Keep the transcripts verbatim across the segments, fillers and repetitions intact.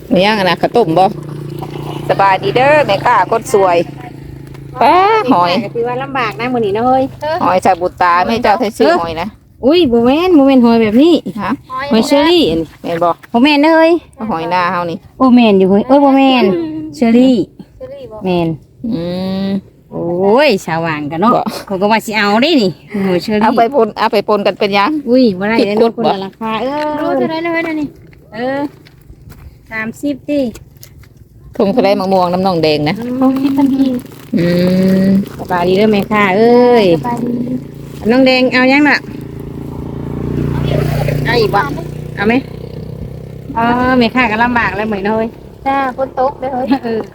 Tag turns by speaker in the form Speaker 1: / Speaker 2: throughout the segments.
Speaker 1: มียังอะนะข้าวต้มบ่สบายดีเด้อแม่ค้าคนสวยแป้หอย
Speaker 2: ก็ถือว่าลำบากนะมื้อนี้นะเฮ้ย
Speaker 1: หอยชาบุตาไม่เจ้าไทยซื้อหอยนะ
Speaker 2: อุ้ยบ่แม่นบ่แม่นหอยแบบนี้
Speaker 1: ฮะ
Speaker 2: หอยเชอรี่อันนี้
Speaker 1: แม่นบ่
Speaker 2: บ่แม่นเด้อเฮ้ย
Speaker 1: หอยหน้าเฮานี่
Speaker 2: โอ้แม่นอยู่เฮ้ยเอ้ยบ่แม่นเชอรี่แม่น
Speaker 1: อืม
Speaker 2: โอ้ยสว่างกันเนาะเขาก็ว่าสิเอาได้นี่หอยเชอรี่
Speaker 1: เอาไปปนเอาไปปนกันเป็นยัง
Speaker 2: อุ้ยบ่ได้เลย
Speaker 1: ผิดกฎ
Speaker 2: เนาะคน
Speaker 1: บ่
Speaker 2: ละราคาเออรู้เท่าไหร่เลยนะนี่เออสามสิบติ
Speaker 1: ทุ่งทะเลมะม่วงน้ำนองแดงนะ
Speaker 2: เขาคิดทันที
Speaker 1: อืม
Speaker 2: สบายดีเด้อแม่ค่ะเอ้ย
Speaker 3: สบายดี
Speaker 2: น้องแดงเอายังน่ะเอาอีกบ่เอาไหมเออแม่ค่ะก็ลำบากแล้วเหมือนเฮ้ย
Speaker 3: จ้าฝนตกเด้อเฮ้ย
Speaker 2: เออ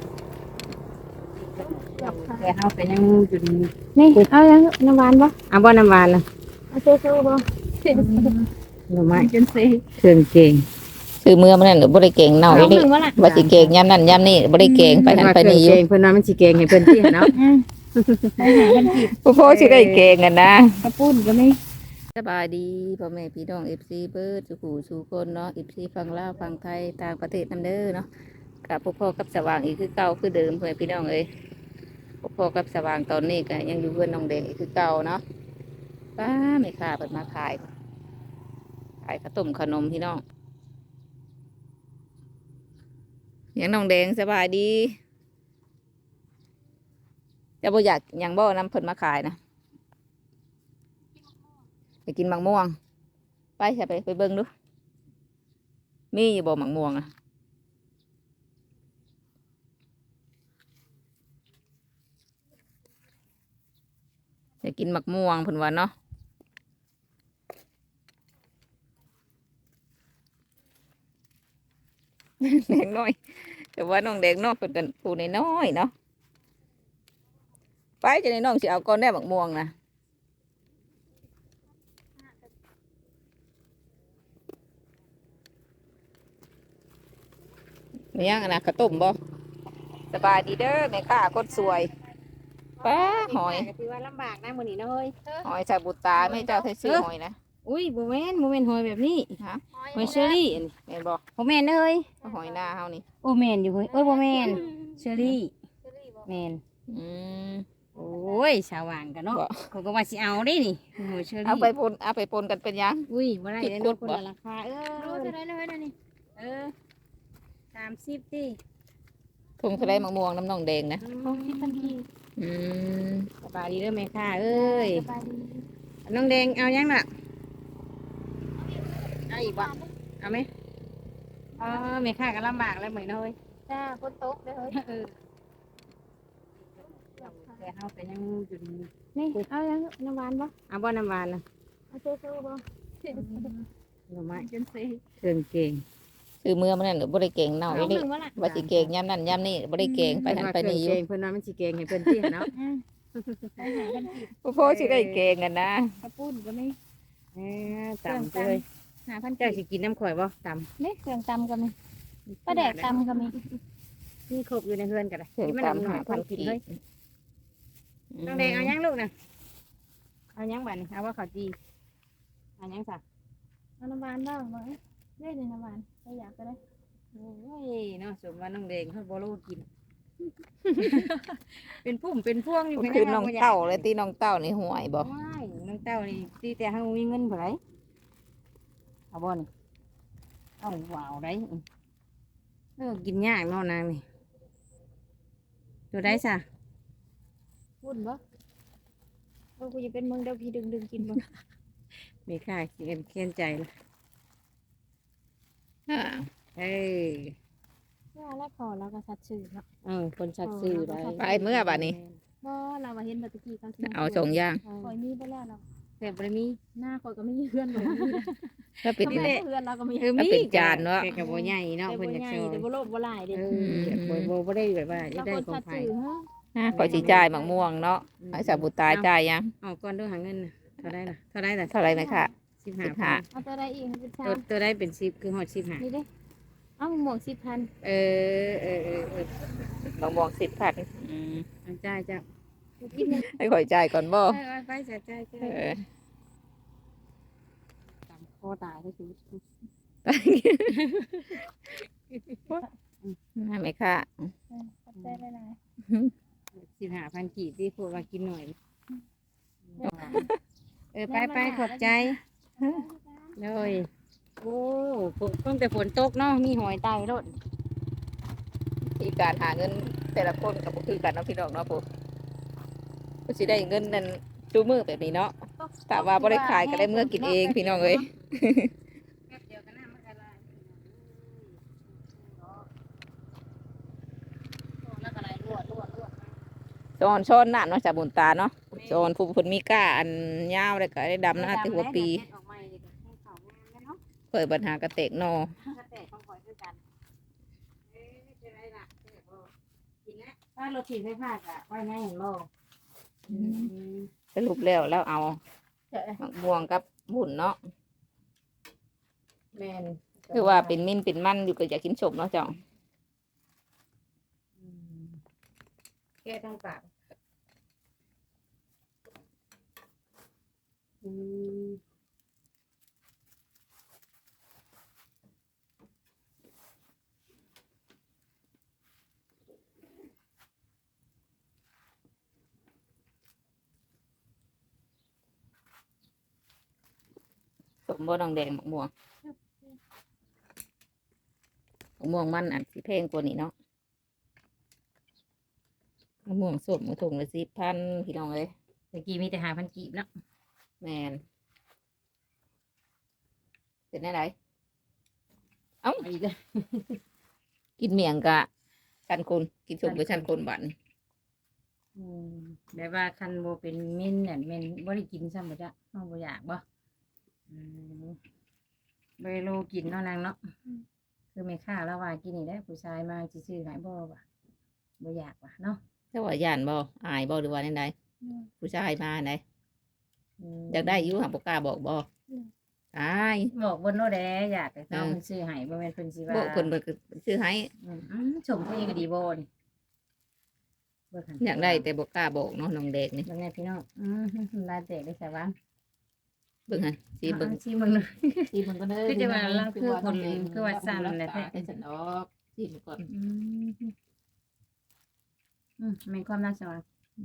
Speaker 2: แต่เฮาก็ยังอยู่ดี
Speaker 3: นี่เอายังน้ำหวานบ่
Speaker 2: เอาบ่น้ำหวานล่ะ
Speaker 3: เอาสู้ๆบ่
Speaker 2: หน่อไม้
Speaker 3: จนสิ
Speaker 2: เครื่องเก่ง
Speaker 1: ซื้อเมื่อมันนั่นบ่ได้เก่งเน่า
Speaker 3: เอา
Speaker 1: อี
Speaker 3: ห
Speaker 1: นี่
Speaker 3: นึ่งบ่ล่ะ
Speaker 1: บ่สิเก่งยามนั้นยามนี้บ่ได้เก่งไปนั่นไปนี่อยู่
Speaker 2: เพิ่นว่าเครื่องเก่งเพิ่นว่ามันสิเก่งให้เพิ่นที่เนาะ
Speaker 3: อืมไปหากันกิน
Speaker 1: ผู้พ่อสิได้เก่งกันนะ
Speaker 3: กระปุ้นก็มี
Speaker 1: สบายดีพ่อแม่พี่น้อง เอฟ ซี เบิร์ดสุขูสุคนเนาะ เอฟ ซี ฝั่งลาวฝั่งไทยต่างประเทศนํเด้อเนาะกับพวกพ่อกับสว่างอีกคือเก่าคือเดิมเพื่อนพี่น้องเอ้ยพวกพ่อกับสว่างตอนนี้ก็ยังอยู่เพื่อนน้องแดงอีกคือเก่าเนาะป้าไม่ค่าเปิดมาขายขายข้าวต้มขนมพี่น้องยังน้องแดงสบายดีจะบ่อยากหยังบ่นำเพิ่นมาขายนะไปกินมังม่วงไปใช่ไปไปเบิ่งดูมีอยู่บ่มังม่วงอ่ะอยากกินมักม่วงเพิ่นว่าเนาะแดงน้อยแต่ว่าน้องแดงน้อยเพิ่นกันผู้น้อยๆเนาะไปจะในน้องสิเอาก้อนแน่มักม่วงนะมียังอะนะข้าวต้มบ่สบายดีเด้อแม่ค้าคนสวยป้าหอย
Speaker 2: ก็ถือว่าลำบากนะมื้อนี้นะเฮ้ย
Speaker 1: หอยชาบุตาไม่เจ้าไทยซื้อหอยนะ
Speaker 2: อุ้ยบ่แม่นบ่แม่นหอยแบบนี้
Speaker 1: ฮะ
Speaker 2: หอยเชอรี่อันนี้
Speaker 1: แม่นบ่
Speaker 2: บ่แม่นเด้อเฮ้ย
Speaker 1: หอยหน้าเฮานี่
Speaker 2: โอ้แม่นอยู่เฮ้ยเอ้ยบ่แม่นเชอรี่แม่น
Speaker 1: อืม
Speaker 2: โอ้ยสว่างกันเนาะ
Speaker 1: บ่
Speaker 2: เขาก็ว่าสิเอาได้นี่หอยเชอรี่
Speaker 1: เอาไปปนเอาไปปนกันเป็นยัง
Speaker 2: อุ้ยบ่ได้เลย
Speaker 1: ผิดกฎ
Speaker 2: เนาะคน
Speaker 1: บ่
Speaker 2: ละราคาเอ
Speaker 3: รู้
Speaker 2: อ
Speaker 3: เท่าไหร่เลยนะนี่
Speaker 2: เออสามสิบติ
Speaker 1: ทุ่งทะเลมะม่วงน้ำนองแดงนะ
Speaker 3: เขาคิดทันที
Speaker 1: อืม
Speaker 2: สบายดีเด้อแม่ค่ะเอ้ย
Speaker 3: สบายดี
Speaker 2: น้องแดงเอายังน่ะเอาอีกบ่เอาไหมเออแม่ค่ะก็ลำบากแล้วเหมือนเฮ้ย
Speaker 3: จ้าฝนตกเด้อเฮ้ย
Speaker 2: เออแต่เฮาก็ยังอยู่ดี
Speaker 3: นี่เอายังน้ำหวานบ่
Speaker 2: เอาบ่น้ำหวานล่ะ
Speaker 3: เอาสู้ๆบ่
Speaker 2: หน่อไม้
Speaker 3: จนสิ
Speaker 2: เครื่องเก่ง
Speaker 1: ซื้อเมื่อมันนั่นบ่ได้เก่งเน่า
Speaker 3: เอา
Speaker 1: อี
Speaker 3: ห
Speaker 1: นี่
Speaker 3: นึ่งบ่ล่ะ
Speaker 1: ว่าสิเก่งยามนั้นยามนี้บ่ได้เก่งไปนั่นไปนี่อยู่
Speaker 2: เพิ่นว่ามันสิเก่งให้เพิ่นที่เนาะ
Speaker 3: อืมไปหากันกิน
Speaker 1: ผู้พ่อสิได้เก่งกันนะ
Speaker 3: กระปุ้นก็มี
Speaker 2: เออตำเลย
Speaker 3: หาพัน
Speaker 2: เจ้า
Speaker 3: กิ
Speaker 2: สิกินน้ำข่อยบ่ต
Speaker 3: นี่เครื่องตำก็มี
Speaker 2: ำ
Speaker 3: ปลาแดกตำก็มี
Speaker 2: นี่ครบอยู่ในเฮือนกันเลย
Speaker 1: เพิ่ง
Speaker 2: มัน
Speaker 1: ตาม
Speaker 2: หน่
Speaker 1: หา
Speaker 2: อยค
Speaker 1: พัน
Speaker 2: นกิน
Speaker 1: กี
Speaker 2: เลยน้องแดงเอายังลูกนะเอายังบัดนี่เอาว่าข้าวจีเอายังสัก
Speaker 3: เอาน้ำหวานบ้างบ่ได้เลยน้ำหวานถ้าอยากก็ได้
Speaker 2: โอ้ยเนาะสมว่าน้องแดงเขาบ่รู้กิน เป็นพุ่มเป็นพวงอยู่
Speaker 1: มันคือน้องเต้าเลยตีน้องเต้านี่ห่วยบ่
Speaker 2: ว้ายน้องเต้านี่ตีแต่เฮามีเงินบ่ไรเอาบ่นี่เอาว้าวได้เออกินยากเนาะนางนี่ตัวได้ซะ
Speaker 3: ปุ้นบ่เออกูจะเป็นมึงเดี๋ยวพี่ดึงดึงกินบ่
Speaker 2: มีค่าเขียนเขียนใจละ
Speaker 1: อ่า
Speaker 2: เอ้ย
Speaker 3: ว่าแล้วพอเราก็สัตว์สื่อเนาะ
Speaker 2: เออคนชักซื้อได้
Speaker 1: ไปเมื่อบัดนี้
Speaker 3: บ่เรามาเห็นบัดตะกี้เขาสิ
Speaker 1: เอาสองอย่าง
Speaker 3: คอยมีไปแล้วเนาะ
Speaker 2: แต่บ่ได้มี
Speaker 3: หน้าคอยก็ไม่มีเพื่อนบ่มี
Speaker 1: ถ้าเป็น
Speaker 3: เขาไม่ได้เพื่อนเราก็มี
Speaker 2: เออ
Speaker 1: แล้ว
Speaker 2: มี
Speaker 1: เป็นจานเนาะ
Speaker 2: แต่ก็บ่ใหญ่เนาะ
Speaker 3: แต่
Speaker 2: เพิ่
Speaker 3: บ่
Speaker 2: นอยาก
Speaker 3: ใหญ่
Speaker 2: ซื้อ
Speaker 3: แต่บ่โลภบ่หลายเด้
Speaker 2: เออบ่บ่บ่ได้แบบว่าอยา
Speaker 3: เรา
Speaker 2: กได้
Speaker 3: คน
Speaker 2: ของ
Speaker 3: สัตว์
Speaker 2: ไผ
Speaker 3: สื่อฮะ
Speaker 1: อ่าขอยสิจ่ายมังม่วงเนาะหอยชาบุตาจ่ายยัง
Speaker 2: เอาก่อนเด้วยหาเงินน่ะเท่าได้ล่ะเท่าได้ล่ะ
Speaker 1: เท่าไหรไหมคะ
Speaker 2: สิบห้า
Speaker 1: สิบห้า
Speaker 3: เอาตัวใดอีกเป็นชา
Speaker 2: ตัว
Speaker 3: ม
Speaker 2: ตัวได้เป็นสิบคือฮอดสิบห้า
Speaker 3: นี่เด้เอาหมวกสิบพัน
Speaker 2: เออเออเออเออ
Speaker 1: มังม่วงสิบพันอืม
Speaker 2: เอาจ่ายจ้ะ
Speaker 3: กินยัง
Speaker 1: ให้ขอยจ่ายก่อนบ่
Speaker 2: ไปไปไปจ่ายจ่ายจ่า
Speaker 1: เอย อ
Speaker 2: ตามคอตายได้คือ
Speaker 1: น่าไหมค่ะ
Speaker 3: เออขอบใจหลาย
Speaker 2: สิบห้าพันกีบที่พวกว่ากินหน่อย
Speaker 3: ๆเนี่ย
Speaker 2: เออไปไปขอบใจเลยโอ้ฝนตั้งแต่ฝนตกเนาะมีหอยไตรถ
Speaker 1: ที่การหาเงินแต่ละคนกับคือกันเนาะพี่น้องเนาะผมก็สิได้เงินนั่นจูมือแบบนี้เนาะแต่ว่าบ่ได้ขายก็ได้เมื่อกินเองพี่น้องเอ้ย
Speaker 2: แป๊บเดียวก็น้ำมันละลายแล้วก็ไหลรั่วรั่วรั่ว
Speaker 1: ซอนช้อนน้ำเนาะจากบุญตาเนาะซอนผู้เพิ่นมีก้าอันยาวเลยก็ได้ดำนะที่หัวปีเปิดปัญหากระเตกนอ
Speaker 2: ป้ารถถีบไฟฟ้าอะไว้ไงเห็นบ่
Speaker 1: สรุปแล้วแล้วเอามะม่วงกับบุญเนาะ
Speaker 2: แม่น
Speaker 1: คือว่าเป็นมิ่นเป็นมันอยู่ก็อยากกินสมเนาะจ้อง
Speaker 2: แก้ทั้งปากอืม
Speaker 1: สมบ่ดองแดงมะม่วงมะม่วงมันอันสิแพงกว่านี้เนาะมะม่วงสมถุงละสิบพันพี่น้องเอ้ย
Speaker 2: ตะกี้มีแต่หาพันกีบเนาะ
Speaker 1: แมนเป็นอะไรเอ้า
Speaker 2: อีกแล้ว
Speaker 1: กินเมียงกะชันคนกินสมกับชันคนบัน
Speaker 2: อืมแบบว่าคันโบเป็นเม่นเนี่ยเม่นบ่ได้กินซ้ำบ่จ้ะน้องบ่อยากบ่อืมบ่ได้โลกินเนาะนางเนาะคือแม่ค้าแล้วว่ากินนี่ได้ผู้ชายมาสิซื้อให้บ่ว่ะบ่อยากว่ะเนาะ
Speaker 1: แต่ว่าย่านบ่อายบ่หรือว่าไหน
Speaker 3: อืม
Speaker 1: ๆผู้ชายมาไหน
Speaker 2: ม
Speaker 1: อยากได้อยุ่หักบกล้าบอกบ่
Speaker 3: อืม
Speaker 1: อาย
Speaker 2: บอกบนโน้แดอยากให้เขา
Speaker 1: อืม
Speaker 2: เพิ่นซื้อให้บ่แม่นเพิ่นสิว่า
Speaker 1: บอกคนเพิ่นก็ซื้อให้
Speaker 2: อืมอืมชมตัวเองก็ดีบ่นี่เบิ่งหั่น
Speaker 1: อยากได้แต่บกล้าบอกเนาะน้องเด็กนี่
Speaker 2: เบิ่งแน่พี่น้องอืมลายแตกได้ใส่บ้าง
Speaker 1: เบิ่งหันสีเบิ่ง
Speaker 2: อ่าสิเบิ่งหน่อย
Speaker 1: สีเบิ่งก็เด้อ
Speaker 2: คือจะว่าเราคือคนคือว่าสั่นแหละแท้
Speaker 1: เป็นสันออกสีมันก่อน
Speaker 2: อืมอืมมีความน่าสว่าง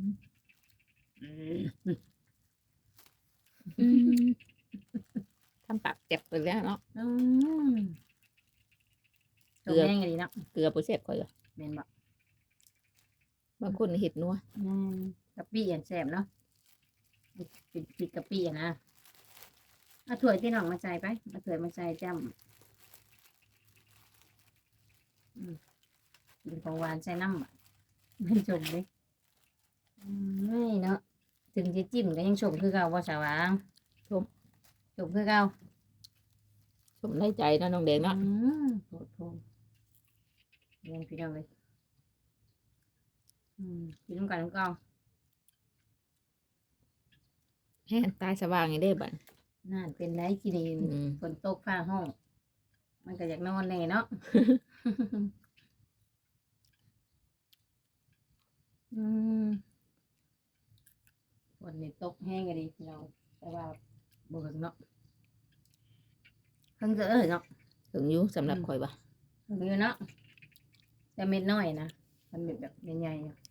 Speaker 1: ทำปากเจ็บไปแล้วเนาะ
Speaker 2: อืมชมแห้งก็ดีเนาะ
Speaker 1: เกลือบ่เสพค่อยเหรอ
Speaker 2: แม่นบ่
Speaker 1: บางคนเห็ดนัว
Speaker 2: อืมกะปิอันแซ่บเนาะปิดปิดกะปิอ่ะนะเอาถ้วยที่น้องมาใส่ไปเอาถ้วยมาใส่จ้ำอืมกินของหวานใส่น้ำอ่ะไม่ชมเลยอืมนี่เนาะถึงจะจิ้มก็ยังชมคือเก่าว่าสาวางชมชมคือเก่า
Speaker 1: สมได้ใจเนาะน้องเด็กเนาะ
Speaker 2: อืมโผล่โผล่เรียนพี่น้องเลยอืมกินน้ำกันน้ำเก่า
Speaker 1: แฮนตายสว่างอย่างเด้บัด
Speaker 2: นั่นเป็นไรกินนี่
Speaker 1: อืม
Speaker 2: ฝนตกฟ้าห้อง มันก็อยากนอนแน่เนาะ อืมฝนนี่ตกแห้งก็ดีพี่น้องแต่ว่าบ่ถึงเนาะเพิ่งจะเออเนาะ
Speaker 1: ถึงอยู่สำหรับข่อยบ่
Speaker 2: ถึงอยู่เนาะแต่เม็ดน้อยนะมันเม็ดแบบใหญ่ๆอยู่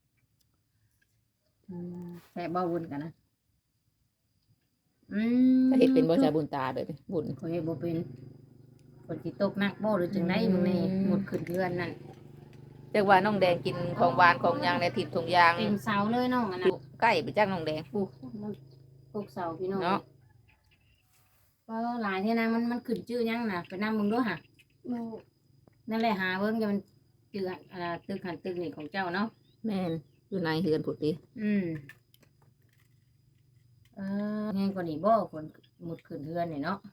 Speaker 2: อืมแต่เบาวุนกันนะอืม
Speaker 1: ถ้าเห็ดเป็นบ่ชาบุญตาเด้อบุญ
Speaker 2: ข่อยเฮ็ดบ่เป็นฝนสิตกหนักบ่หรือจังไดมึงนี่
Speaker 1: อืม
Speaker 2: หมดขึ้นเรือนนั่น
Speaker 1: เรียกว่าน้องแดงกินของหวานของหยางในทิพย์ทุงยาง
Speaker 2: เต็มเสาเลยน้องอัน
Speaker 1: อ
Speaker 2: นั้น
Speaker 1: ยู่ใกล้ไปจักน้องแดง
Speaker 2: ปลูกมันปลูกเสาพี่น้อง
Speaker 1: เนาะ
Speaker 2: ก็หลายที่นางมันมันขึ้นชื่อยังน่ะไปนำมึงด้วยค่ะ
Speaker 3: หนู
Speaker 2: นั่นแหละหาเบิ่งจะมันชื่ออ่าตึกหันตึกนี่ของเจ้าเนาะ
Speaker 1: แม่นอยู่ในเฮือนผุดดิ
Speaker 2: อืมเออแห้งกว่านี้บ่คนหมดขึ้นเรือนนี่เนาะ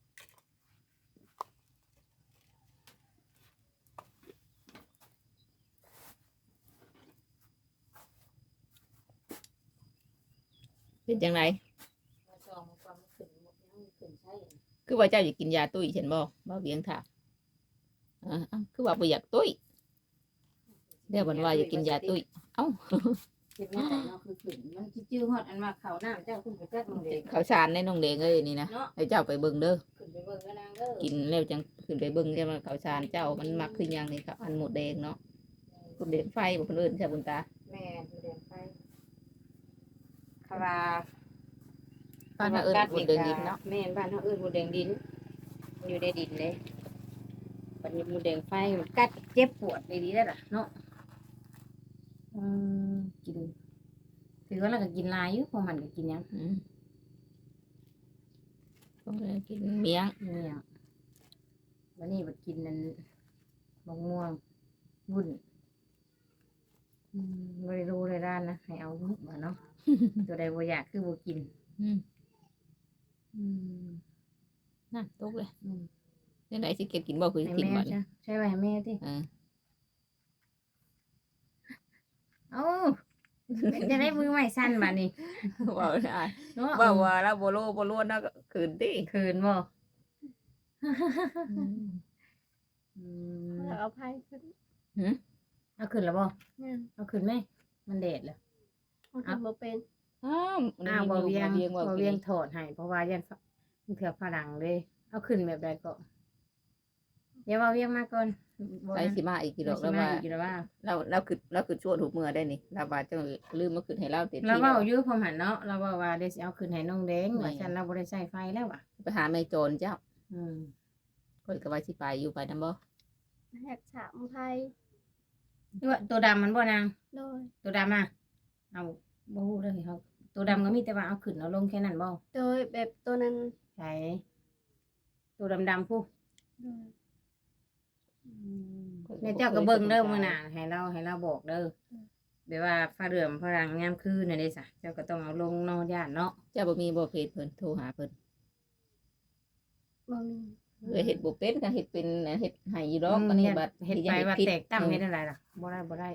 Speaker 1: เป็นจังได
Speaker 2: ซองมันความขึ้นหมดยังขึ้นใช่
Speaker 1: คือว่าเจ้าอยากกินยาตุ้ยเช่นบ่บ่เบียงถามอ่าเอ้าคือว่าบ่อยากตุ้ยเดี๋ยววันว่าอยากกินยาตุ้ยเอ้า
Speaker 2: เจ็บไม่ใจเนาะคือขึ้นมันสิจื้อฮอดอันมาเข้าน้ำเจ้าขึ้นไปจักน้องเด็ก
Speaker 1: ข้าวสารในน้องแดงเอ้ยนี่นะ
Speaker 2: เนาะ
Speaker 1: ให้เจ้าไปเบิ่งเด้อ
Speaker 2: ขึ้นไปเบิ่งกันนางเด้อ
Speaker 1: กินแล้วจังขึ้นไปเบิ่งจะมาข้าวสารเจ้ามันมักขึ้นอย่างนี้ครับอันหมดแดงเนาะหมดแดงไฟบ่คนอื่นใช่บุญตา
Speaker 2: แม่ดูแดงไฟคารา
Speaker 1: บ้านเราเอิ้นหมดแดงดินเนาะ
Speaker 2: แม่นบ้านเฮาเอิ้นหมดแดงดินมันอยู่ในดินเลยบัดนี้หมดแดงไฟมันกัดเจ็บปวดดีๆได้ล่ะเนาะอืมกินถือว่าเราก็กินหลายอยู่เพราะมันก็กินหยัง
Speaker 1: อืมก็เลยกินเมียง
Speaker 2: เนี่ยวันนี้บัดกินนั่นมะม่วงวุ้นอืมบ่ได้รู้เลยด้านนะให้เอาวุ้นมาเนาะ ตัวใดบ่อยากคือบ่กิน
Speaker 1: อืม
Speaker 2: อืม
Speaker 1: น่ะตกเลย
Speaker 2: อืม
Speaker 1: จังไดสิเก็บกินบ่คือ
Speaker 2: ให้
Speaker 1: กิน
Speaker 2: แม่
Speaker 1: บ่
Speaker 2: จ้ะใช่ไหมให้แม่ที่
Speaker 1: เออ
Speaker 2: เอ้าจะได้มือใหม่สั้นมานี่
Speaker 1: ว่าได้
Speaker 2: เนาะ
Speaker 1: ว่าว่าแล้วบ่โลบ่ล้วนเนาะก็คืนติ
Speaker 2: คืนบ่
Speaker 1: อืม
Speaker 2: อืม
Speaker 3: แล้วเอาไพ่ขึ้น
Speaker 2: เอาคืนแล้วบ่
Speaker 3: เนี่ย
Speaker 2: เอาคืนไหมมันแดดแล้ว
Speaker 3: เอาทำบ่เป็น
Speaker 1: อ้าว
Speaker 2: อ้าวบ่เวียง
Speaker 1: เวียงว่า
Speaker 2: บ่เวียงถอดให้เพราะว่ายันมันเถื่อฝรั่งเลยเอาคืนแบบใดก็เดี๋ยวว่าเวียงมาก่อนบ่
Speaker 1: ไป
Speaker 2: นะ
Speaker 1: สิมาอีกกี่ดอก
Speaker 2: แล้
Speaker 1: แล้ว ว
Speaker 2: ว่า
Speaker 1: ว่า
Speaker 2: อีกแล้วว่า
Speaker 1: เราเราคือเราคือชั่วถูกเมื่อได้นี่เราบาดจังลืมมาคืนให้เราเต็ม
Speaker 2: เรา
Speaker 1: ที่
Speaker 2: เว้า
Speaker 1: แล้ว
Speaker 2: อยู่พอหันเนาะเราเว้าว่าเดี๋ยวสิเอาคืนให้น้องแดง
Speaker 1: แม่
Speaker 2: ว่าฉันเราบ่ได้ใช้ไฟแล้วว่ะ
Speaker 1: ไปหาแม่โจรเจ้า
Speaker 2: อืม
Speaker 1: ข่อยก็ว่าสิไปอยู่ไปนำบ่
Speaker 3: แหกฉามไพ่
Speaker 2: ตัวตัวดำมันบ่นาง
Speaker 3: โดย
Speaker 2: ตัวดำอ่ะเอาบ่ฮู้เลยเขาตัวดำก็มีแต่ว่าเอาขึ้นเอาลงแค่นั้นบ่
Speaker 3: โดยแบบตัวนั้น
Speaker 2: ใช่ตัวดำๆผู้
Speaker 3: โดย
Speaker 2: เนี่ยเจ้าก็เบิ่งเด้อมื้อหน้าให้เราให้เราบอกเด้อแบบว่าฟ้าเรือมฝรั่งยามคืนน่ะเด้ซะเจ้าก็ต้องเอาลงเนาะย่านเนาะ
Speaker 1: เจ้าบ่มีบ่เพจเพิ่นโทรหาเพิ่น
Speaker 3: บ่มี
Speaker 1: เออเฮ็ดบ่เป็นก็เฮ็ดเป็นเฮ็ดให้อยู่ดอกอันนี้บัด
Speaker 2: เฮ็ดไปว่าแตกต่ำเฮ็ดอะไรล่ะบ่ได้บ่ได้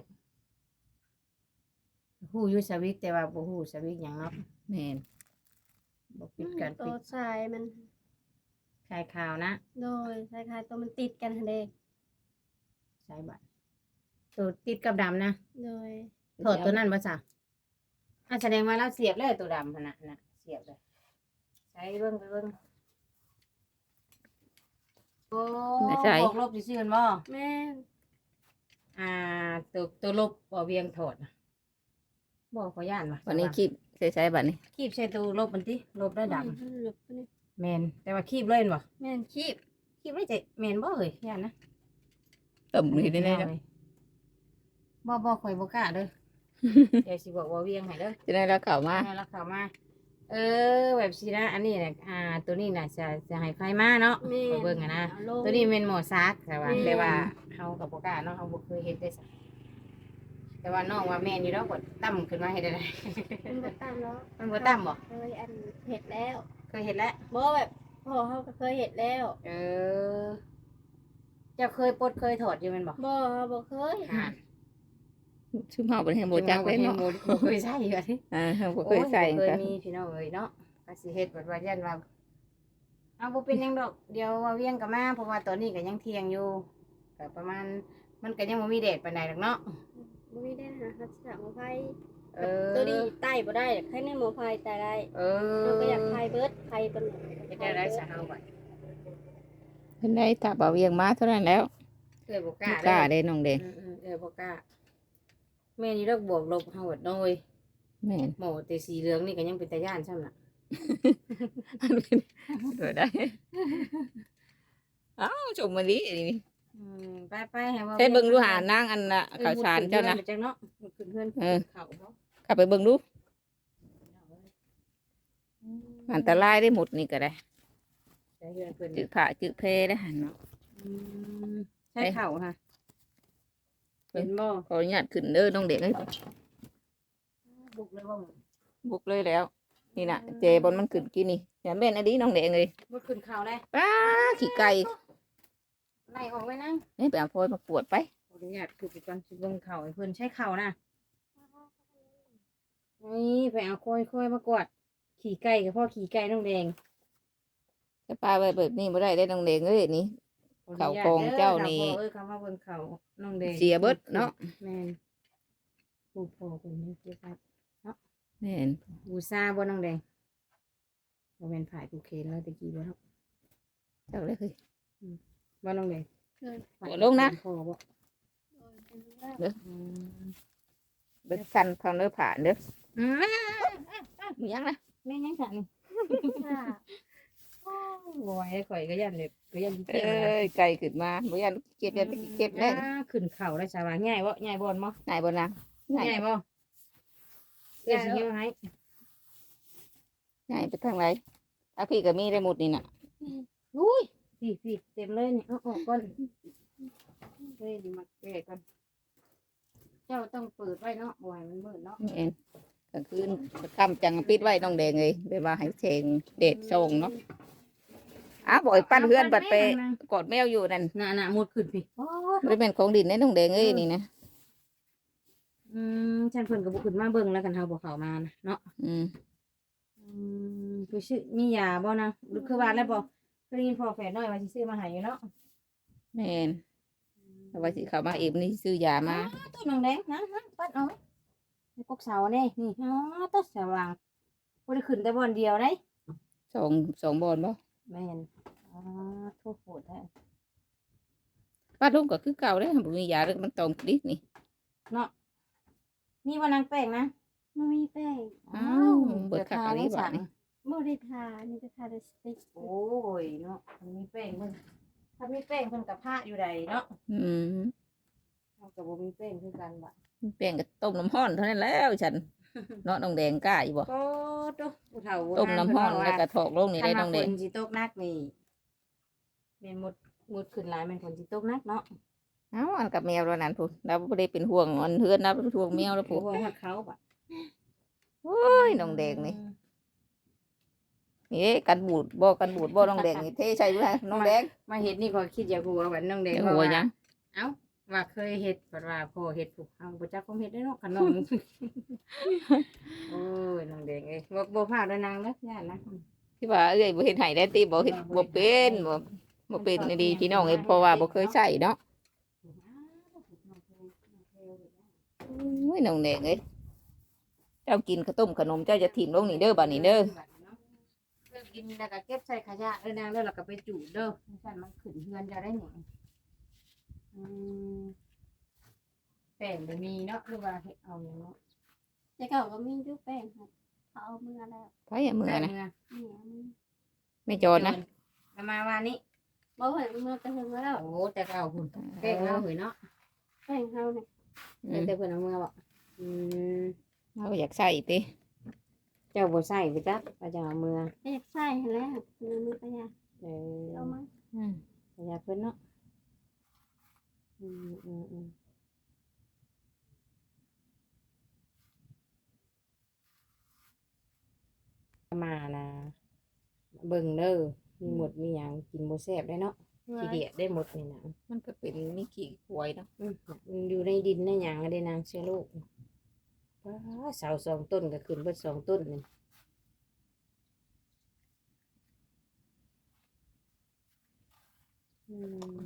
Speaker 2: ฮู้อยู่สวิตช์แต่ว่าบ่ฮู้สวิตช์หยังเนาะ
Speaker 1: แม่น
Speaker 2: บ่ปิดการ
Speaker 3: ตั
Speaker 2: ปิ
Speaker 3: ว
Speaker 2: ด
Speaker 3: ทรายมัน
Speaker 2: คลายข่าวนะ
Speaker 3: โดยคล้ายๆตัวมันติดกันหั่นเด้
Speaker 2: ใช้บัตรตัวติดกับดำนะ
Speaker 3: โดย
Speaker 2: ถอดตัวนั้นบ่จ้ะอ่ะแสดงว่าเราเสียบเลยตัวดำหั่นน่ะน่ะเสียบเลยใช้เบิ่งไปเบิ่งโอ้บวกลบซื่อๆกันบ่
Speaker 3: แม่น
Speaker 2: อ่าตัวตัวลบบ่เวียงถอดน่ะบ่ขอย่านว่ะ
Speaker 1: วันนี้คลิปใช้ๆบัดนี้
Speaker 2: คีบใส่ตัวลบมันติลบได้ดำ
Speaker 3: หลบไปนี่
Speaker 2: แม่นแต่ว่าคีบเลยบ่
Speaker 3: แม่นคีบ
Speaker 2: คีบได้ใจแม่นบ่เอ้ยย่านนะ
Speaker 1: ต่ำนี่ได้ๆเนาะ
Speaker 2: บ่บ่ข่อยบ่กล้าเด้อ เดี๋ยวสิบอกว่าเวียงให้เด้อ
Speaker 1: จะได้แล้วเข้ามา
Speaker 2: ให้เราเข้ามา เออแบบสินะอันนี้น่ะอ่า ตัวนี้น่ะจะจะให้ไฟมาเนาะ
Speaker 3: แม่
Speaker 2: ไปเบิ่งอะนะ
Speaker 3: เอาลง
Speaker 2: ตัวนี้เป็นหมอซักแต่ว่า
Speaker 3: แม่
Speaker 2: แต่ว่าเฮากับบ่กล้าเนาะเฮาบ่เคยเฮ็ดได้สักแต่ว่าน้องว่าแม่นอยู่ดอกกดตั้มขึ้นมาเฮ็ดได้
Speaker 3: มันบ่ตามแล้ว
Speaker 2: มันบ่ตั้มบ่
Speaker 3: เคยอันเห็ดแล้ว
Speaker 2: เคยเฮ็ดแล้ว
Speaker 3: บ่แบบพ่อเขาก็เคยเห็ดแล้ว
Speaker 2: เออเจ้าเคยปลดเคยถอดอยู่แม่นบ่
Speaker 3: บ่บ่เคย
Speaker 2: อ่า
Speaker 1: ชื่อเฮาบ่ได้บ่จักเลยเนาะ
Speaker 2: บ่บ่เคยใช้อยู่อะ
Speaker 1: อ่าเฮาบ่เคยใส่
Speaker 2: โอ้ยบ่เค
Speaker 1: ก็
Speaker 2: ยมีพี่น้องเอ้ยเนาะก็สิเฮ็ดแบบว่ายันว่าเอาบ่เป็นหยังดอกเดี๋ยวว่าเวียงก็มาเพราะว่าตอนนี้ก็ยังเที่ยงอยู่ก็ประมาณมันก็ยังบ่มีแดดปานใดดอกเนาะ
Speaker 3: บ่มีได้หาหัดฉากหมอไฟ
Speaker 2: เออ
Speaker 3: ตัวนี้ใต้บ่ได้ใครในหมอไฟใต้ได้
Speaker 2: เออ
Speaker 3: เราก็อยากไฟเบิดไฟเป็น
Speaker 2: เฮ็ดได้ได้ซะเฮาบัด
Speaker 1: เพิ่นได้ถ้าบ่เวียงมาเท่านั้นแล้ว
Speaker 2: เอ้ยบ่ก
Speaker 1: บ่
Speaker 2: ล้าก
Speaker 1: ล้า
Speaker 2: เด้
Speaker 1: เด้น้องแดง
Speaker 2: อือๆเอ้ยบ่กล้าแม่นี่ดอกบวกลบเฮาบัดน้อย
Speaker 1: แม่น
Speaker 2: หมอแต่สีเหลืองนี่ก็ยังเป็นตาย่านซ้ำน่ะ
Speaker 1: เกิดได้อ้าวชมมาดินี่
Speaker 2: อืมไปๆให้ว่า
Speaker 1: ใช้เบิ่งดูหานางอันน่ะข้าวสารเจ้านะ
Speaker 2: จังเนาะขึ้นเฮือน
Speaker 1: เออ
Speaker 2: เขาเนาะ
Speaker 1: ขับไปเบิ่งดูอันตรายได้หมดนี่ก็ได้
Speaker 2: ใช้เฮือนเพิ่น
Speaker 1: จืดผ่าจืดเพได้หันเนาะ
Speaker 2: อืมใช้เข่าค่ะ
Speaker 1: เพิ่
Speaker 2: เป็น นบ่
Speaker 1: ขออนุญาตขึ้นเด้อน้องเด็กเอ้ย
Speaker 2: บุกเลยบ่
Speaker 1: บุกเลยแล้ว นี่น่ะเจบนมันขึ้นกินนี่อย่าแม่นอันนี้น้องเด็กเลย
Speaker 2: บ่ขึ้นเข่าได้
Speaker 1: ป้าขี้ไก่
Speaker 2: ไล่ออกไว้นั่ง
Speaker 1: เฮ้ยไปเอาพลอยมาปวดไป
Speaker 2: ขออนุญาตคือไปก่อนสิเบิ่งเข่าให้เพิ่นใช้เข่านะนี่ไปเอาค่อยๆมากวาดขี่ไก่กับพ่อขี่ไก่น้องแดง
Speaker 1: จะปลาไปแบบนี้บ่ได้ได้น้องเด็กเอ้ยนี่
Speaker 2: ขออนุญต
Speaker 1: เข่าโครงเจ้านี่
Speaker 2: เด้อเข่าพ่อเอ้ยเข่ามาเบิ่งเข่าน้องแดง
Speaker 1: เสียเบิดเนาะ
Speaker 2: แม่นผู้พ่อคนนี้เก็บไว้
Speaker 1: แม่น
Speaker 2: บูซาบ่น้องแดงบ่แม่นผายผูกเคนแล้วตะกี้บ่เนาะ
Speaker 1: เจ้าเลยคือ
Speaker 2: บ่น้องแดง
Speaker 3: เคย
Speaker 2: ผาย
Speaker 1: โอ้ลงนะ
Speaker 2: ผูกเคนพ่อบ่
Speaker 3: โดยเป็นแล้ว
Speaker 2: อืม
Speaker 1: เบิดคันทางเด้อผ่านเด้อ
Speaker 2: อืม
Speaker 1: มีหยังนะ
Speaker 2: แม่ยังค่ะนี่
Speaker 3: ค่ะ
Speaker 2: โอ้บ่ไหวข่อยก็ยันเลยก็ยัน
Speaker 1: เอ
Speaker 2: เก็บนะ
Speaker 1: ้ยไก่ขึ้นมาบ่ยันเก็บยันไปเก็บได้
Speaker 2: อ่าขึ้นเข่าได้สาว่าง่ายบ่ง่ายบ่นบ่
Speaker 1: ง่ายบ่นางง่าย
Speaker 2: ง่ายบ่เอ้ยสิเฮ็ดให้
Speaker 1: ง่ายไปทางไหนถ้าพี่ก็มีได้หมดนี่น่ะ
Speaker 2: อุ้ยพี่พี่เต็มเลยนี่เอาออกก่อนเฮ้ยนี่มาแก้ก่อนเจ้าต้องเปิดไว้เนาะบ่ให้มันมืดเนาะ
Speaker 1: แม่นกลางคืนค่ำจังปิดไว้น้องแดงเลยไปว่าให้แสงแดดส่องเนาะอ้าวบ่อยปั้นเฮือนบัดไปกอดแมวอยู่นั่น
Speaker 2: น่ะน่ะมุดขึ้นพี่โอ้ย
Speaker 1: บ่แม่นของดินในน้องแดงเอ้ยนี่นะ
Speaker 2: อืมฉันเพิ่นก็บ่ขึ้นมาเบิ่งแล้วกันเฮาบ่เข้ามานะเนาะ
Speaker 1: อืม
Speaker 2: อืมคือชื่อมียาบ่นะหรือคือว่าแล้วบ่เคยได้ยินพ่อแฝดน้อยว่าสิซื้อมาให้อยู่เนาะ
Speaker 1: แม่นแต่ว่าสิเข้ามาเองนี่ซื้อยามา
Speaker 2: อ้าวตัวน้องแดงนะฮะปัดเอาไว้ในกกเสานี่นี่อ๋อตัวสว่างบ่ได้ขึ้นแต่บ่อนเดียวเด้
Speaker 1: สองสองบอนบ่
Speaker 2: แม่นอ๋อโทษโหดแท้
Speaker 1: ป้าลุงก็คือเก่าเด้อบ่มียาแล้วมันตรงดินี่
Speaker 2: เนาะมีบ่นางแป้งนะ
Speaker 3: ไม่มีแป้ง
Speaker 1: อ้าวเบิดคักอันนี้บาดนี่
Speaker 3: บ่ได้ทานี่จะทาแต่สติ๊ก
Speaker 2: โอ้ยเนาะมันมีแป้งเพิ่นถ้ามีแป้งเพิ่นก็พระอยู่ใดเนาะ
Speaker 1: อืม
Speaker 2: เฮาก็บ่มีแป้งคือกันบัด
Speaker 1: แป้งก็ต้มน้ำร้อนเท่านั้นแล้วฉันเนาะน้องแดงกล้าอยู่บ่
Speaker 2: โอ้โตผู้เฒ่าโบ
Speaker 1: ต้ม
Speaker 2: ราณ
Speaker 1: น้ำร้อน
Speaker 2: เพิ่
Speaker 1: แล้ว
Speaker 2: ว่า
Speaker 1: ก็ถอกลงนี่
Speaker 2: คั
Speaker 1: ได้
Speaker 2: น
Speaker 1: น้
Speaker 2: ว่า
Speaker 1: อง
Speaker 2: ฝ
Speaker 1: แดง
Speaker 2: นสิตกหนักนี่แม่นหมดหมดขึ้นหลายแม่นฝนสิตกหนักเนาะ
Speaker 1: เอ้าอันกับแมวแล้วนั่นพุ่นเราบ่ได้เป็นห่วงอันเฮือนเราเป็นห่วงแมวแล้ว
Speaker 2: ผู้
Speaker 1: พุ่น
Speaker 2: ว่าฮอดเขาบัด
Speaker 1: โอ้ยน้องแดงนี่นี่กันบูดบ่กันบูดบ่น้องแดงนี่เทใส่อยู่ฮะน้องแดง
Speaker 2: มาเฮ็ดนี่ก็คิดอยากรู้ว่าบัดน้องแดง
Speaker 1: เดี๋ยว
Speaker 2: ว่า
Speaker 1: หัว
Speaker 2: ว่า
Speaker 1: ยัง
Speaker 2: เอ้าว่าเคยเฮ็ดบัดว่าพ่อเฮ็ดผูกเฮาบ่จักความเฮ็ดได้เนาะขนม โอ้ยน้องแดงเอ้ยบ่บ่พลาดด้วยนางเด้อย่านนะ
Speaker 1: ที่ว่าเอ้ยบ่เฮ็ดให้ได้ติบ่เฮ็ดบ่เป็นบ่บ่เป็นดีพี่น้องเอ้ยเพราะว่าบ่เคยใช้เนาะโอ้ยน้องแดงเอ้ยเจ้ากินข้าวต้มขนมเจ้าจะถิ่มลงนี่เด้อบัดนี้เด้อ
Speaker 2: เลิกกินแล้วก็เก็บใส่ขยะเด้อนางเด้อแล้วก็ไปจูดเด้อไม่ซั่นมันขึ้นเฮือนจะได้หยังอืมแป้งบ่มีเนาะหรือว่าเฮ็ดเอาหยังเนาะ
Speaker 3: แต่เก่าก็มีอยู่แป้งค่ะเขาเอามือแล้ว
Speaker 1: ไผอะมือนะ
Speaker 3: นี่เอามือ
Speaker 1: ไม่จอดนะ
Speaker 2: ประมาณว่านี้
Speaker 3: บ่เห็นมือแต่เห็นแล้ว
Speaker 2: โอ้แต่เก่าพุ่นแป้งเอาเห็นเนาะ
Speaker 3: แป้งเขาเนี่ย
Speaker 1: อืม
Speaker 2: แต่เพิ่นเอามือบ่อืม
Speaker 1: เราอยากใส่ติ
Speaker 2: เจ้าบ่ใส่ไปจักว่าจะเอามือ
Speaker 3: ก็อยากใส่แล้วมือมือก็อยาก
Speaker 2: เออ
Speaker 3: เอามา
Speaker 1: อืม
Speaker 2: ขยะเพิ่นเนาะอืมอืมอืมมานะเบิ่งเด้อมีหมดมีหยังกินบ่แซ่บได้เนาะขี้เดียดได้หมดนี่นะ
Speaker 1: มันก็เป็นมีขี้ควายเนาะ
Speaker 2: อืมมันอยู่ในดินในหยังได้นางเชื้อโรคว้าเสาสองต้นก็ขึ้นเบิดสองต้นนี่อืม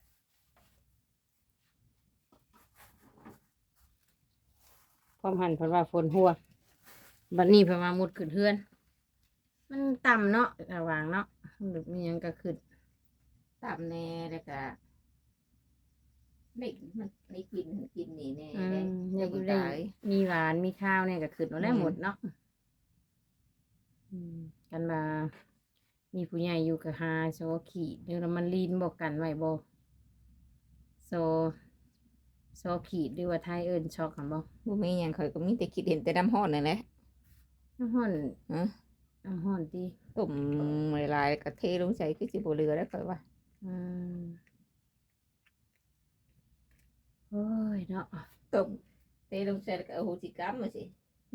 Speaker 2: ความหันเพราะว่าฝนหัวบัดนี้เพราะว่ามุดขึ้นเฮือน มันต่ำเนาะระหว่างเนาะมันแบบมีหยังก็ขึ้น
Speaker 1: ตามแน่แล้วก็ไม่มันไม่กินกินนี่แน่
Speaker 2: อื
Speaker 1: ได้
Speaker 2: ม
Speaker 1: เจ้า
Speaker 2: อ
Speaker 1: บุ
Speaker 2: ยาก
Speaker 1: ญ
Speaker 2: ได้
Speaker 1: ตาย
Speaker 2: มีหวานมีข้าวเนี่ยก็ขึ้นมาได้
Speaker 1: อืม
Speaker 2: หมดเนาะอืมกันมามีผู้ใหญ่อยู่กับหาโซขีดเดี๋ยวมันลีนบอกกันไว้บ่โซโซขีดหรือว่าไทยเอิ้นช็อกกันบ่
Speaker 1: บ่มีหยังข่อยก็มีแต่คิดเห็นแต่น้ำร้อนนั่นแหละ
Speaker 2: น้ำห้อน
Speaker 1: ฮะ
Speaker 2: น้ำห้อนติ
Speaker 1: ต้มหลายๆก็เทลงใส่คือสิบ่เหลือแล้วข่อยว่า
Speaker 2: อืมโอ้ยเนาะ
Speaker 1: ต้มเทลงใส่แล้วก็เอาโหสิกรรมมาสิ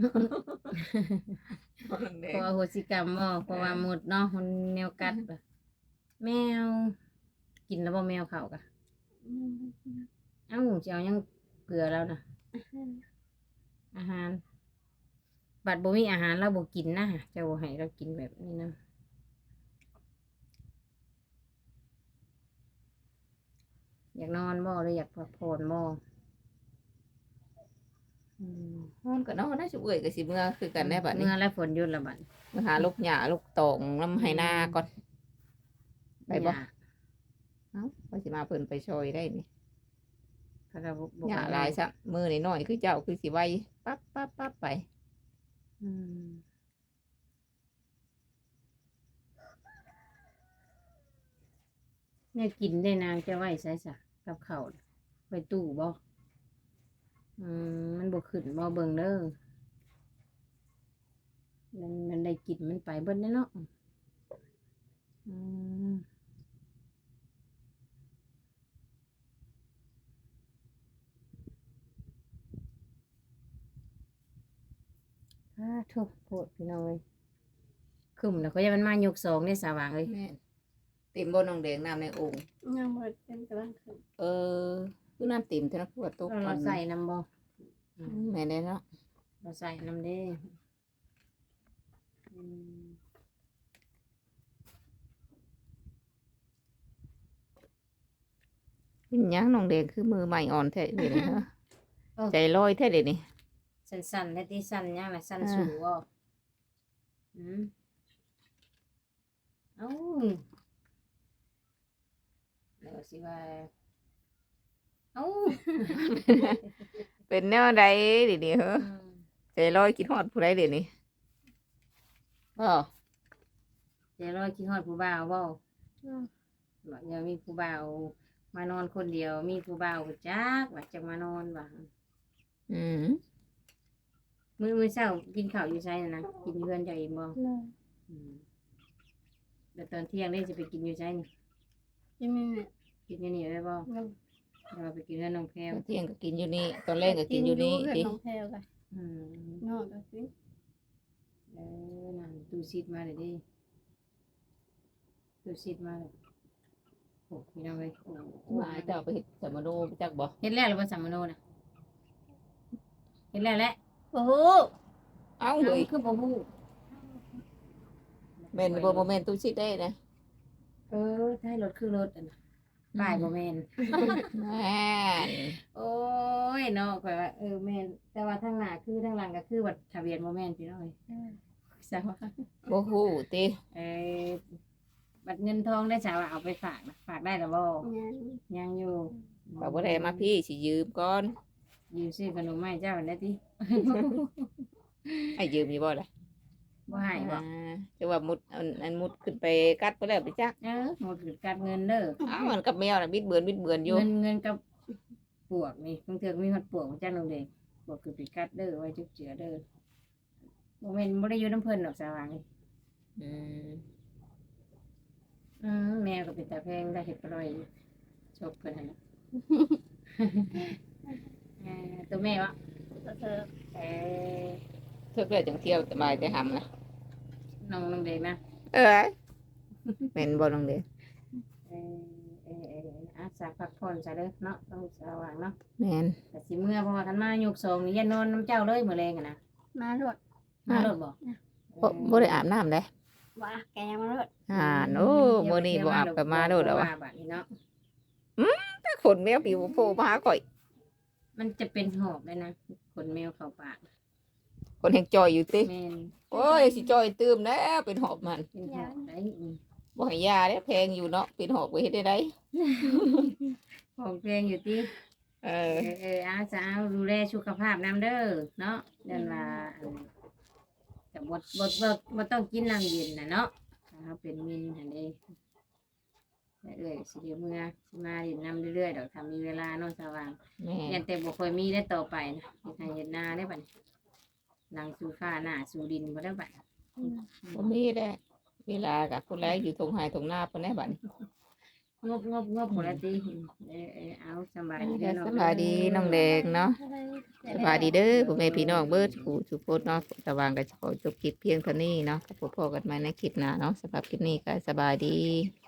Speaker 2: เพราะว่าโหสิกรรมบ่เพราะว่าหมดเนาะมันแนวกัดบ่แมว กินแล้วบ่แมวเขากะ
Speaker 3: อืม
Speaker 2: เอ้าสิเอายังเกลือแล้วนะอาหาร บัดบ่มีอาหารเราบ่กินนะเจ้าบ่ให้เรากินแบบนี้นะอยากนอนบ่หรืออยากพักผ่อนบ่อืม
Speaker 1: นอนก็นอนนะชุบเอ้ยก็สิเมื่อคือกันได้บัดนี้
Speaker 2: เมื่อแล้วฝนหยุดและบัด
Speaker 1: มาหาลูกหญ้าลูกตองน้ำไหนาก่อนไปบ่
Speaker 2: หญ้า
Speaker 1: เอ้าว่าสิมาเพิ่นไปช่วยได้นี่
Speaker 2: เขาก็บ่
Speaker 1: หญ้า
Speaker 2: ค่อ
Speaker 1: หลายซะมือน้อยๆคือเจ้าคือสิไวปั๊บปั๊บปั๊บไป
Speaker 2: อืมเนี่ยกินได้นางจะไว้ใส่ซะกับข้าวน่ะไว้ตู้บ่อืมมันบ่ขึ้นบ่เบิ่งเด้อมันมันได้กินมันไปเบิดแน่เนาะอืมอ่าโทุกโพดพี่น้องเอ้ยขึ้นแล้วก็จะมันมายกสองได้สว่างเอ้ย
Speaker 1: แม่นเต็มบ่น้องแดงน้ำในโอ่ง
Speaker 3: ยังบ่เต็มกำลังขึ้น
Speaker 1: เออคือน้ำเต็มเท่านั้นคือว่าตก
Speaker 2: เรา
Speaker 1: ก่อน
Speaker 2: ใส่น้ำบ่
Speaker 1: อืมแม่นได้เนาะ
Speaker 2: เราใส่น้ำเด้อืม
Speaker 1: เป็นหยังน้องแดงคือมือใหม่อ่อนแท้เดี๋ยวนี้ฮะใจลอยแท้เดี๋ยวนี้
Speaker 2: สั้นๆและที่สั้นยังล่ะสั้น
Speaker 1: อ่า
Speaker 2: สูงบ่อืมเอ้าเดี๋ยวสิว่าเอ้า
Speaker 1: เป็นแนวใดเดี๋ยวนี้เหรอ
Speaker 2: อืม
Speaker 1: ใจลอยคิดฮอดผู้ใดเดี๋ยวนี้บ่
Speaker 2: ใจร้อยคิดฮอดผู้บ่าวบ่
Speaker 3: อืม
Speaker 2: บอกอย่ามีผู้บ่าวมานอนคนเดียว มีผู้บ่าวจักว่าจะมานอนว่า
Speaker 1: อืม
Speaker 2: มื้อมื้อเช้ากินข้าวอยู่ไสน่ะนะกินอยู่เฮือนเจ้าเองบ่
Speaker 3: เลย
Speaker 2: อืมแล้วตอนเที่ยงได้จะไปกินอยู่ไสนี่
Speaker 3: ยังไม่แม่
Speaker 2: กินอยู่นี่ได้บ่
Speaker 3: ยัง
Speaker 2: เราไปกินเฮือนน้องแพรว
Speaker 1: ตอนเที่ยงก็กินอยู่นี่ตอนแรกก็กินอยู่นี่
Speaker 3: เพื่อน
Speaker 1: สิ
Speaker 3: น้องแพรวกัน
Speaker 2: อืม
Speaker 3: นอนก็คือ
Speaker 2: เออนั่นตู้ซีดมาเลยดิตู้ซีดมาเลยโอ้พี่น้องเอ้ยโอ้
Speaker 1: ว่าเจ้าไปเฮ็ดสมโนไปจักบ่
Speaker 2: เฮ็ดแล้วหรือว่าสัมมโนน่ะเฮ็ดแล้วแหละ
Speaker 3: โอ้โห
Speaker 1: เอ้า
Speaker 2: เอ้า
Speaker 1: เฮ้ย
Speaker 2: คือบ่ฮู้
Speaker 1: แม่นบ่บ่แม่นตู้ชิดได้นะ
Speaker 2: เออท้ายรถคือรถอันน่ะป้ายบ่แม่น
Speaker 1: แม่น
Speaker 2: โอ้ยเนาะข่อยว่าเออแม่นแต่ว่าทางหน้าคือทางหลังก็คือบัตรทะเบียนบ่แม่นพี่น้องเอ้ยสาวว่า
Speaker 1: บ่ฮู้ติ
Speaker 2: เออบัตรเงินทองได้สาวว่าเอาไปฝากนะฝากได้หรือบ่
Speaker 3: ยัง
Speaker 2: ยังอยู่
Speaker 1: ก็บ่ได้มาพี่สิยืมก่อน
Speaker 2: ยืมซื้อขนมมาให้เจ้าได้ติ
Speaker 1: ให้ยืมอยู่บ่ล่ะ
Speaker 2: บ่ให้บ่
Speaker 1: อ่าจะว่ามุดอันอันมุดขึ้นไปกัดบ่แล้วไปจัก
Speaker 2: เออหมดคือการเงินเด้อ
Speaker 1: อ้าวมันกับแมวน่ะบิดเบือนบิดเบือนอยู่
Speaker 2: เงินเงินกับปวกนี่บางเทื่อก็มีฮอดปวกของเจ้าลงเด้ปวกคือปิกัดเด้อไว้จุกเจือเด้อบ่แม่นบ่ได้อยู่น้ำเพิ่นดอกสว่างนี่
Speaker 1: อืม
Speaker 2: อืมแมวก็เป็นตาแพงได้เห็ดปล่อยชกเพิ่นหั่นน่ะ เออตัวแม่วะ
Speaker 3: เธอ
Speaker 2: เออ
Speaker 1: เทื่อเพื่อจังเที่ยวสบายแต่หำนะ
Speaker 2: น้องน้องเด็กนะ
Speaker 1: เอ้ยแม่นบ่น้องเด้อ
Speaker 2: เออเออเออเอออาสาพักผ่อนซะเด้อเนาะต้องสว่างเนาะ
Speaker 1: แม่น
Speaker 2: แต่สิเมื่อเพราะว่าคันมายกสองนี่อย่านอนน้ำเจ้าเลยมื้อแรงอะนะ
Speaker 3: มาโลด
Speaker 2: มารถบ่
Speaker 1: บ่บ่ได้อาบน้ำเด้
Speaker 3: ว่าแกมาโลด
Speaker 1: อ่าโอ้มื้อนี้บ่อาบก็มาโดดแล้ววะ
Speaker 2: บัดนี้เนาะ
Speaker 1: ถ้าขนแมวผิวโผล่มาหาข่อย
Speaker 2: มันจะเป็นหอบเลยนะขนแมวเข้าปาก
Speaker 1: คนแห่งจอยอยู่ติ
Speaker 2: แม่น
Speaker 1: โอ้ยสิจอยตื้มแล้วเป็นหอบมัน
Speaker 2: เป็นหอบได้อืม
Speaker 1: บ่ให้ยาเด้แพงอยู่เนาะเป็นหอบไปเฮ็ดได้ได
Speaker 2: หอบแพงอยู่ติ
Speaker 1: เอ
Speaker 2: เอ
Speaker 1: อ
Speaker 2: อเอออาสาวดูแลสุขภาพน้ำเด้อเนาะเดินมาแต่บดบดบดบดต้องกินน้ำเย็นนะเนาะถ้าเขาเป็นมินหันเด้แต่เอ้ยสิเดียวเมื่อสิมาเรียนน้ำเรื่อยๆดอกทำมีเวลาเนาะสว่าง
Speaker 1: แม่
Speaker 2: ยันแต่บ่ค่อยมีได้ต่อไปนะเฮ็ดให้เฮ็ดนาได้บัดนี้หลังสู่ฟ้าหน้าสู่ดินบ่ได้บัด
Speaker 1: บ่มีแล้เวลากับคนแรกอยู่ทงไห้ทงหน้าเพิ่นได้บัดนี้
Speaker 2: งบงบงบหมดแล้วติเออเออเอาสำบายดีเด้อเนาะ
Speaker 1: สบายดีน้องแดงเนาะสบายดีเด้อพ่อแม่พี่น้องเบิดผู้ทุกคนเนาะสว่างก็ขอจบคลิปเพียงเท่านี้เนาะพบกันใหม่ในคลิปหน้าเนาะสำหรับคลิปนี้ก็สบายดี